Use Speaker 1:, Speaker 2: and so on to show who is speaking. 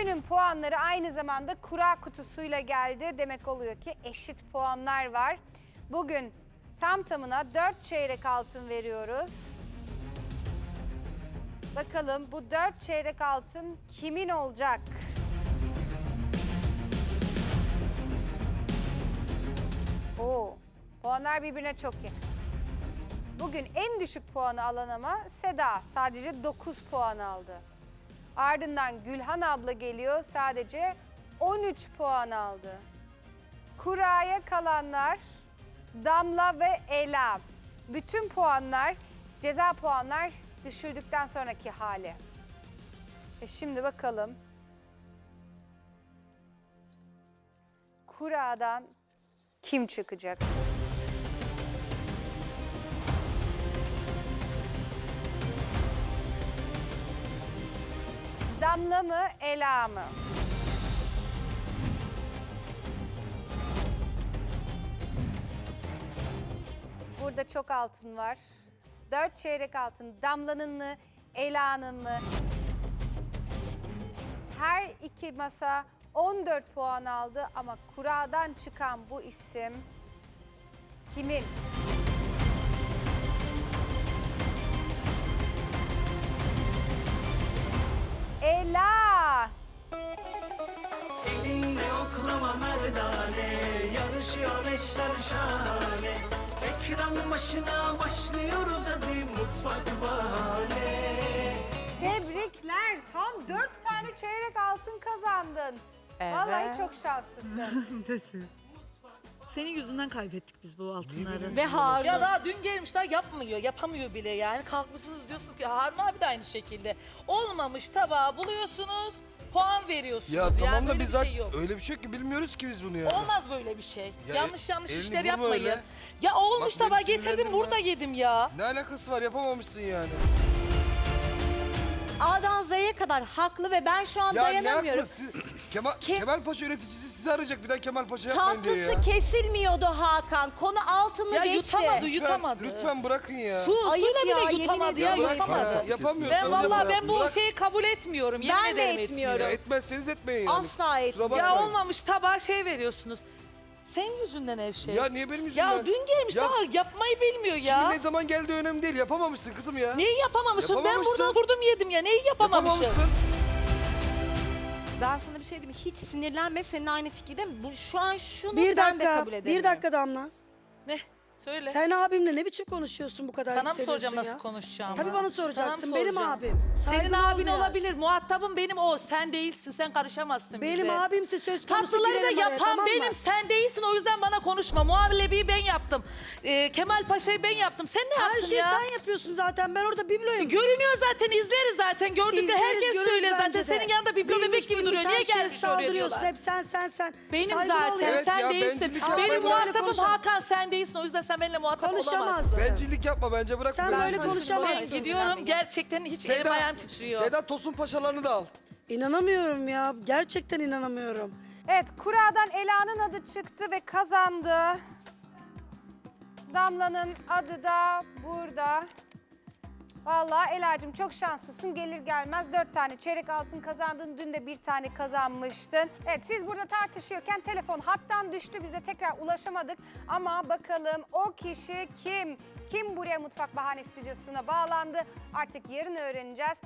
Speaker 1: Günün puanları aynı zamanda kura kutusuyla geldi. Demek oluyor ki eşit puanlar var. Bugün tam tamına 4 çeyrek altın veriyoruz. Bakalım bu 4 çeyrek altın kimin olacak? Oo, puanlar birbirine çok yakın. Bugün en düşük puanı alan ama Seda sadece 9 puan aldı. Ardından Gülhan abla geliyor, sadece 13 puan aldı. Kuraya kalanlar Damla ve Ela. Bütün puanlar, ceza puanlar düşürdükten sonraki hali. Şimdi bakalım. Kuradan kim çıkacak? Damla mı, Ela mı? Burada çok altın var. 4 çeyrek altın Damla'nın mı, Ela'nın mı? Her iki masa 14 puan aldı ama kuradan çıkan bu isim kimin? Ela!
Speaker 2: Elinde oklama merdane, yarışıyor eşler şahane. Ekran başına başlıyoruz hadi mutfak bahane.
Speaker 1: Tebrikler. Tam 4 tane çeyrek altın kazandın. Vallahi çok şanslısın.
Speaker 3: Senin yüzünden kaybettik biz bu altınları.
Speaker 4: Ve Harun.
Speaker 3: Ya daha dün gelmiş daha yapmıyor, yapamıyor bile yani. Kalkmışsınız diyorsunuz ki Harun abi de aynı şekilde. Olmamış tabağı buluyorsunuz, puan veriyorsunuz.
Speaker 5: Ya tamam
Speaker 3: yani
Speaker 5: da
Speaker 3: böyle
Speaker 5: biz
Speaker 3: bir
Speaker 5: zaten
Speaker 3: şey yok.
Speaker 5: öyle bir şey yok ki bilmiyoruz ki biz bunu ya.
Speaker 3: Olmaz böyle bir şey.
Speaker 5: Ya
Speaker 3: yanlış
Speaker 5: elini
Speaker 3: işler
Speaker 5: vurma
Speaker 3: yapmayın.
Speaker 5: öyle.
Speaker 3: Ya olmuş
Speaker 5: Bak beni
Speaker 3: tabağı getirdim
Speaker 5: sinirlendirme.
Speaker 3: burada yedim ya.
Speaker 5: Ne alakası var, yapamamışsın yani.
Speaker 4: A'dan Z'ye kadar haklı ve ben şu an
Speaker 5: Ya ne
Speaker 4: dayanamıyorum.
Speaker 5: haklı? Kemal Paşa yöneticisi sizi arayacak, bir daha Kemal Paşa yapmayın diyor ya.
Speaker 4: Tatlısı kesilmiyordu Hakan. Konu altını
Speaker 3: Ya
Speaker 4: geçti.
Speaker 3: yutamadı,
Speaker 5: Lütfen,
Speaker 3: yutamadı.
Speaker 5: lütfen bırakın ya.
Speaker 4: Ayıp
Speaker 3: Suyla
Speaker 4: ya,
Speaker 3: bile
Speaker 4: yemin
Speaker 3: yutamadı ya,
Speaker 4: ediyorum.
Speaker 3: yutamadı.
Speaker 5: Yapamıyorsun.
Speaker 3: Ben vallahi ben bu
Speaker 5: Bırak.
Speaker 3: şeyi kabul etmiyorum. Yemin
Speaker 4: Ben de
Speaker 3: ederim
Speaker 4: etmiyorum.
Speaker 5: Ya etmezseniz etmeyin yani.
Speaker 4: Asla
Speaker 5: Kusura
Speaker 4: etmiyorum.
Speaker 3: Ya
Speaker 5: bakmayın.
Speaker 3: olmamış tabağa şey veriyorsunuz. Sen yüzünden her şey.
Speaker 5: Ya niye benim yüzümden?
Speaker 3: Ya dün gelmiş
Speaker 5: Ya
Speaker 3: daha yapmayı bilmiyor ya.
Speaker 5: Ne zaman geldiği önemli değil, yapamamışsın kızım ya.
Speaker 3: Neyi yapamamışım? Ben
Speaker 5: Yapamamışsın.
Speaker 3: burada vurdum yedim ya. Neyi yapamamışım?
Speaker 5: Yapamamışsın.
Speaker 4: Ben sana bir şey diyeyim mi? Hiç sinirlenme, seninle aynı fikirdeyim. Bu şu an şunu
Speaker 6: Bir
Speaker 4: ben de
Speaker 6: dakika,
Speaker 4: kabul edemiyorum.
Speaker 6: bir dakika Damla.
Speaker 3: Ne? Söyle.
Speaker 6: Sen abimle ne biçim konuşuyorsun bu kadar
Speaker 3: Sana mı
Speaker 6: yükseliyorsun
Speaker 3: soracağım
Speaker 6: ya?
Speaker 3: nasıl konuşacağımı?
Speaker 6: Tabii bana
Speaker 3: Sana mı
Speaker 6: soracaksın. Benim
Speaker 3: soracağım?
Speaker 6: abim.
Speaker 3: Senin
Speaker 6: Saygılı ol
Speaker 3: abin
Speaker 6: biraz.
Speaker 3: olabilir. Muhatabım benim o. Sen değilsin. Sen karışamazsın
Speaker 6: Benim
Speaker 3: bize.
Speaker 6: abimse söz konusu
Speaker 3: Tatlıları da
Speaker 6: girerim araya,
Speaker 3: yapan
Speaker 6: tamam mı?
Speaker 3: benim. Sen değilsin. O yüzden bana konuşma. Muhallebiyi ben yaptım. Kemal Paşa'yı ben yaptım. Sen ne
Speaker 6: Her
Speaker 3: yaptın
Speaker 6: şeyi
Speaker 3: ya?
Speaker 6: sen yapıyorsun zaten. Ben orada bibloyum.
Speaker 3: Görünüyor zaten. İzleriz zaten. Gördük de
Speaker 6: İzleriz,
Speaker 3: herkes
Speaker 6: görürüz
Speaker 3: söylüyor zaten.
Speaker 6: bence de.
Speaker 3: Senin yanında biblo
Speaker 6: Bilmiş
Speaker 3: bebek gibi
Speaker 6: bilmiş
Speaker 3: duruyor. Niye
Speaker 6: her şeye
Speaker 3: gelmiş oraya
Speaker 6: saldırıyorsun.
Speaker 3: diyorlar.
Speaker 6: Hep sen.
Speaker 3: Benim
Speaker 6: Saygılı ol
Speaker 3: zaten.
Speaker 6: ya.
Speaker 5: Evet
Speaker 3: Sen
Speaker 5: ya,
Speaker 3: değilsin.
Speaker 5: bencillik yapma.
Speaker 3: Benim
Speaker 6: Böyle
Speaker 3: muhatabım
Speaker 6: konuşamaz.
Speaker 3: Hakan, sen değilsin. O yüzden sen benimle muhatap
Speaker 6: Konuşamaz.
Speaker 3: olamazsın.
Speaker 5: Bencillik yapma bence, bırak.
Speaker 6: Sen
Speaker 5: böyle.
Speaker 6: böyle konuşamazsın.
Speaker 3: Ben gidiyorum. Gerçekten hiç elim ayağım titriyor.
Speaker 5: Seda Tosun Paşalarını da al.
Speaker 6: İnanamıyorum ya. Gerçekten inanamıyorum.
Speaker 1: Evet, kuradan Ela'nın adı çıktı ve kazandı. Damla'nın adı da burada. Vallahi Ela'cığım çok şanslısın. Gelir gelmez 4 tane çeyrek altın kazandın. Dün de 1 tane kazanmıştın. Evet, siz burada tartışıyorken telefon hattan düştü. Bize tekrar ulaşamadık. Ama bakalım o kişi kim? Kim buraya Mutfak Bahane Stüdyosu'na bağlandı? Artık yarın öğreneceğiz.